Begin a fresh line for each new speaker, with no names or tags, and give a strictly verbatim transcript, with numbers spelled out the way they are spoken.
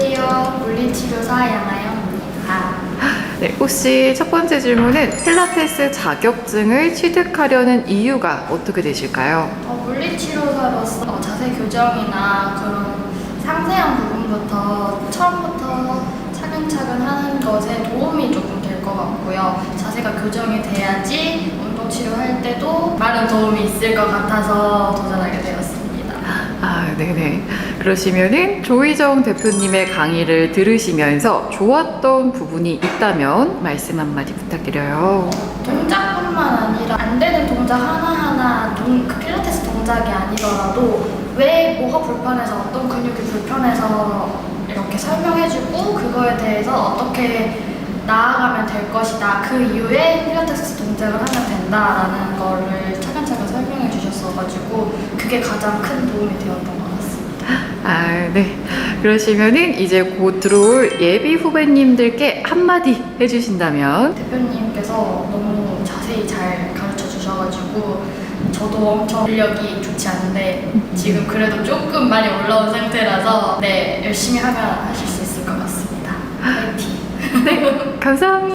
안녕하세요. 물리치료사 양아영입니다.
네, 혹시 첫 번째 질문은 필라테스 자격증을 취득하려는 이유가 어떻게 되실까요?
어, 물리치료사로서 어, 자세 교정이나 그런 상세한 부분부터 처음부터 차근차근 하는 것에 도움이 조금 될 것 같고요. 자세가 교정이 돼야지 운동 치료할 때도 많은 도움이 있을 것 같아서 도전하게 되었습니다.
아, 네네. 그러시면은 조희정 대표님의 강의를 들으시면서 좋았던 부분이 있다면 말씀 한마디 부탁드려요.
동작뿐만 아니라 안 되는 동작 하나하나 동, 그 필라테스 동작이 아니더라도 왜 뭐가 불편해서 어떤 근육이 불편해서 이렇게 설명해주고 그거에 대해서 어떻게 나아가면 될 것이다. 그 이후에 필라테스 동작을 하면 된다라는 거를 차근차근 설명해 주셨어가지고 그게 가장 큰 도움이 되었던 것 같습니다.
아, 네. 그러시면은 이제 곧 들어올 예비 후배님들께 한마디 해주신다면?
대표님께서 너무 자세히 잘 가르쳐 주셔가지고 저도 엄청 실력이 좋지 않은데 지금 그래도 조금 많이 올라온 상태라서 네 열심히 하면 하실 수 있을 것 같습니다. 화이팅!
네, 감사합니다.